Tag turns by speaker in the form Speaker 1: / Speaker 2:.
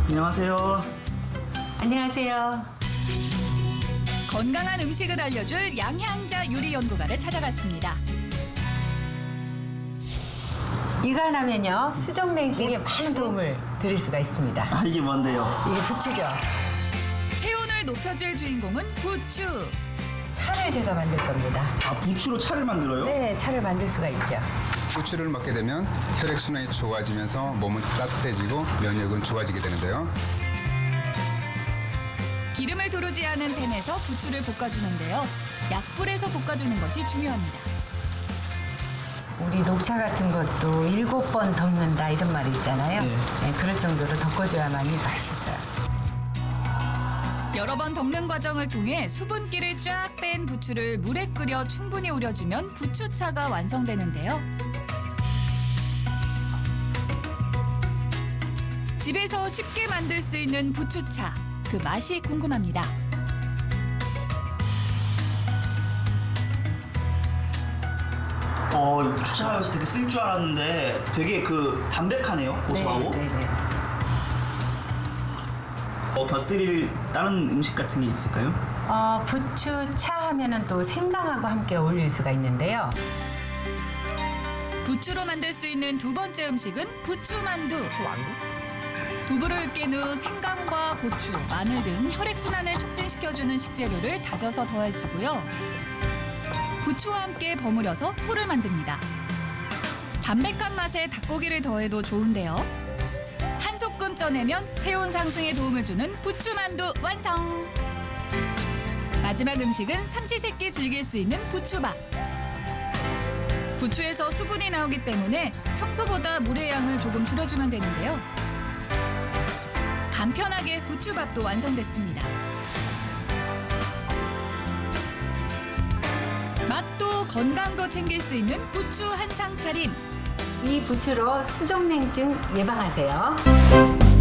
Speaker 1: 안녕하세요.
Speaker 2: 안녕하세요.
Speaker 3: 건강한 음식을 알려줄 양향자 요리 연구가를 찾아갔습니다.
Speaker 2: 이거 하나면요 수족냉증에 많은 도움을 드릴 수가 있습니다.
Speaker 1: 아, 이게 뭔데요?
Speaker 2: 이게 부추죠.
Speaker 3: 체온을 높여줄 주인공은 부추.
Speaker 2: 차를 제가 만들 겁니다.
Speaker 1: 아, 부추로 차를 만들어요?
Speaker 2: 네, 차를 만들 수가 있죠.
Speaker 4: 부추를 먹게 되면 혈액순환이 좋아지면서 몸은 따뜻해지고 면역은 좋아지게 되는데요.
Speaker 3: 기름을 두르지 않은 팬에서 부추를 볶아주는데요. 약불에서 볶아주는 것이 중요합니다.
Speaker 2: 우리 녹차 같은 것도 7번 덮는다 이런 말이 있잖아요.
Speaker 1: 네.
Speaker 2: 네, 그럴 정도로 덮어줘야만이 맛있어요.
Speaker 3: 여러 번 덮는 과정을 통해 수분기를 쫙 뺀 부추를 물에 끓여 충분히 우려주면 부추차가 완성되는데요. 집에서 쉽게 만들 수 있는 부추차, 그 맛이 궁금합니다.
Speaker 1: 부추차가 되게 쓸 줄 알았는데 되게 담백하네요. 고소하고.
Speaker 2: 네.
Speaker 1: 곁들일 다른 음식 같은 게 있을까요?
Speaker 2: 부추차 하면은 또 생강하고 함께 어울릴 수가 있는데요.
Speaker 3: 부추로 만들 수 있는 두 번째 음식은 부추만두. 두부를 깬 후 생강과 고추, 마늘 등 혈액순환을 촉진시켜주는 식재료를 다져서 더해주고요. 부추와 함께 버무려서 소를 만듭니다. 담백한 맛에 닭고기를 더해도 좋은데요. 한 소끔 쪄내면 체온 상승에 도움을 주는 부추만두 완성! 마지막 음식은 삼시세끼 즐길 수 있는 부추밥. 부추에서 수분이 나오기 때문에 평소보다 물의 양을 조금 줄여주면 되는데요. 간편하게 부추밥도 완성됐습니다. 맛도 건강도 챙길 수 있는 부추 한상 차림.
Speaker 2: 이 부추로 수족냉증 예방하세요.